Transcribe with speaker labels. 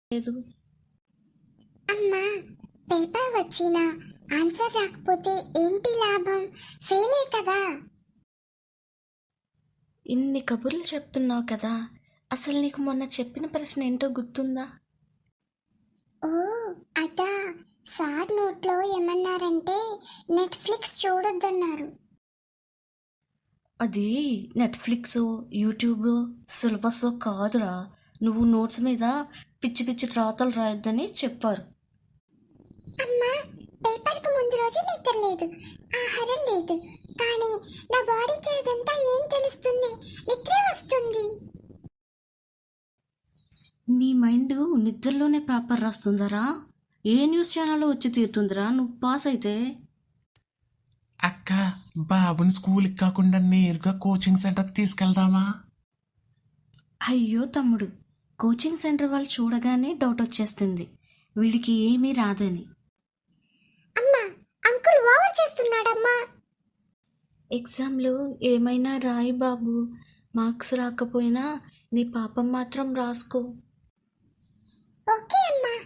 Speaker 1: లేదు.
Speaker 2: అమ్మా, పేపర్ వచ్చినా ఆన్సర్ రాకపోతే ఏంటి లాభం? ఫెయిలే కదా.
Speaker 1: ఇన్ని కబుర్లు చెప్తున్నావు కదా, అసలు నీకు మొన్న చెప్పిన ప్రశ్న ఏంటో గుర్తుందా?
Speaker 2: ఓ అదా, సార్ నోట్లో ఏమన్నారంటే నెట్ఫ్లిక్స్ చూడొద్దన్నారు.
Speaker 1: అది నెట్ఫ్లిక్స్, యూట్యూబ్ సిలబస్ కాదురా. నువ్వు నోట్స్ మీద పిచ్చి పిచ్చి రాతలు రాయొద్దని చెప్పారు.
Speaker 2: అమ్మా, పేపర్కి ముందు రోజు నిద్ర లేదు, ఆహారం లేదు, కానీ నా బాడీకి అదంతా ఏం తెలుస్తుంది? నిద్రే వస్తుంది.
Speaker 1: నీ మైండ్ నిద్రలోనే పేపర్ రాస్తుందరా? ఏ న్యూస్ ఛానల్లో వచ్చి తీరుతుందిరా నువ్వు పాస్ అయితే?
Speaker 3: అక్క, బాబుని స్కూల్కి కాకుండా నేరుగా కోచింగ్ సెంటర్కి తీసుకెళ్దామా?
Speaker 1: అయ్యో తమ్ముడు, కోచింగ్ సెంటర్ వాళ్ళు చూడగానే డౌట్ వచ్చేస్తుంది వీడికి ఏమీ రాదని.
Speaker 2: అమ్మా, అంకుల్ ఓవర్ చేస్తున్నాడమ్మా.
Speaker 1: ఎగ్జామ్లో ఏమైనా రాయి బాబు, మార్క్స్ రాకపోయినా నీ పాపం మాత్రం రాసుకో.
Speaker 2: ఓకే అమ్మా.